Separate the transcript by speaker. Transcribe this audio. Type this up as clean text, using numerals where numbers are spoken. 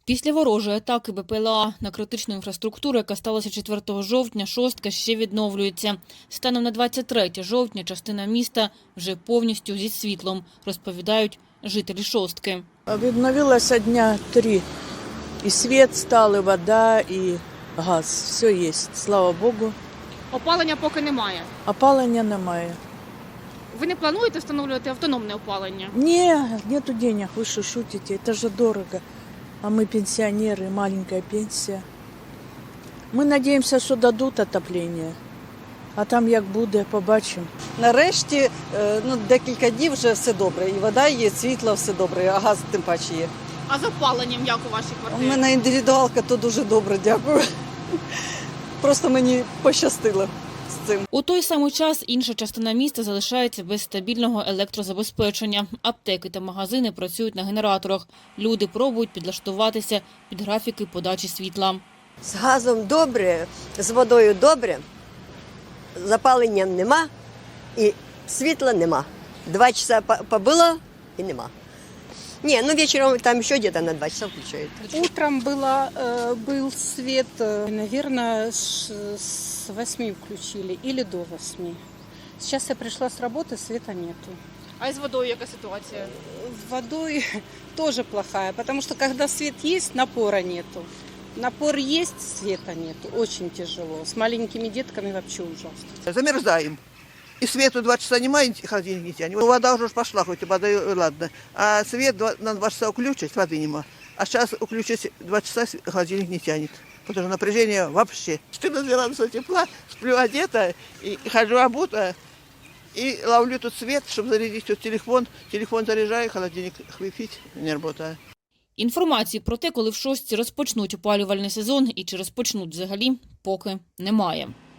Speaker 1: Після ворожої атаки БПЛА на критичну інфраструктуру, яка сталася 4 жовтня, шостка ще відновлюється. Станом на 23 жовтня частина міста вже повністю зі світлом, розповідають жителі шостки.
Speaker 2: Відновилося дня 3. І світ став, і вода, і газ. Все є, слава Богу.
Speaker 3: Опалення поки немає.
Speaker 2: Опалення немає.
Speaker 3: Ви не плануєте встановлювати автономне опалення?
Speaker 2: Ні, нету денег, ви що шутите, це ж дорого. А ми пенсіонери, маленька пенсія. Ми сподіваємося, що дадуть отоплення. А там як буде, побачимо.
Speaker 4: Нарешті, декілька днів вже все добре. І вода є, світло, все добре, а газ тим паче є.
Speaker 3: А з опаленням як у вашій
Speaker 4: У
Speaker 3: квартирі?
Speaker 4: мене індивідуалка, то дуже добре, дякую. Просто мені пощастило з цим.
Speaker 1: У той самий час інша частина міста залишається без стабільного електрозабезпечення. Аптеки та магазини працюють на генераторах. Люди пробують підлаштуватися під графіки подачі світла.
Speaker 5: З газом добре, з водою добре, запалення нема і світла нема. 2 часа побило і нема. Не, вечером там еще где-то на 2 часа включают.
Speaker 6: Утром был свет, наверное, с 8 включили или до 8. Сейчас я пришла с работы, света нету.
Speaker 3: А з водою яка ситуація?
Speaker 6: Водой тоже плохая, потому что когда свет есть, напора нету. Напор есть, света нету. Очень тяжело. С маленькими детками вообще ужасно.
Speaker 7: Замерзаем. И свету 2 часа нема, холодильник не тянет. Вода уже пошла, хоть и вода, ладно. А свет на 2 часа включить, воды нема. А сейчас включить 2 часа, холодильник не тянет. Потому что напряжение вообще. 14 градусов тепла, сплю одета, и хожу обута, и ловлю тут свет, чтобы зарядить тут телефон. Телефон заряжаю, холодильник хлыпить, не работает.
Speaker 1: Інформації про те, коли в шостці розпочнуть опалювальний сезон і чи розпочнуть взагалі, поки немає.